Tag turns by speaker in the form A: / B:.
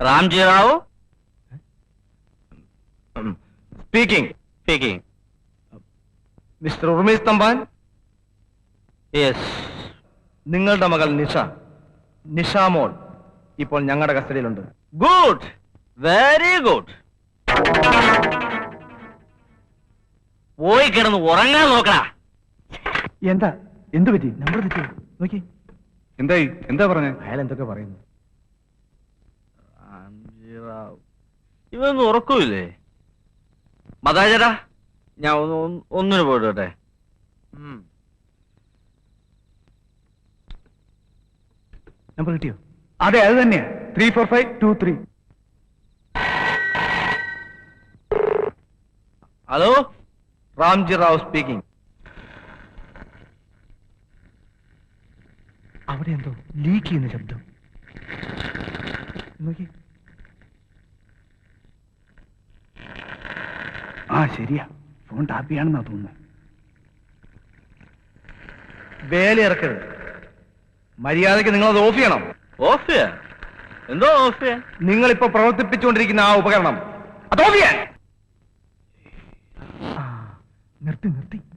A: Ramji Rao
B: speaking. Mister Urmesh Thampan,
A: yes.
B: നിങ്ങളുടെ മകൾ നിഷാമോൾ ഇപ്പോൾ ഞങ്ങളുടെ കസ്റ്റഡിയിലുണ്ട്.
A: Good, very good. പോയി കിടന്ന് ഉറങ്ങാൻ നോക്കടാ.
B: എന്ത് പറ്റി? നമ്പർ തെറ്റി നോക്കി.
C: എന്തായി? എന്താ പറഞ്ഞേ?
B: അയാൾ എന്തൊക്കെ പറയുന്നു?
A: റാംജി റാവു ഇവൊന്നും ഉറക്കൂല്ലേ? മതാചരാ, ഞാൻ ഒന്നിന് പോയിട്ടെ.
B: നമ്പർ കിട്ടിയോ? അതെ, അത് തന്നെയാ. 34523.
A: Hello,
B: Ramji Rao speaking. അവിടെ എന്തോ ലീക്ക് ചെയ്യുന്ന ശബ്ദം നോക്കി. ശരിയാ, ഫോൺ ടാപ്പിയാണെന്നാ തോന്നുന്നത്. വേലയിറക്കരുത്. മര്യാദയ്ക്ക് നിങ്ങളത് ഓഫ് ചെയ്യണം.
A: ഓഫ് ചെയ്യാൻ? എന്തോ ഓഫ് ചെയ്യാൻ?
B: നിങ്ങളിപ്പോ പ്രവർത്തിപ്പിച്ചുകൊണ്ടിരിക്കുന്ന ആ ഉപകരണം അത് ഓഫ് ചെയ്യാൻ. നിർത്തി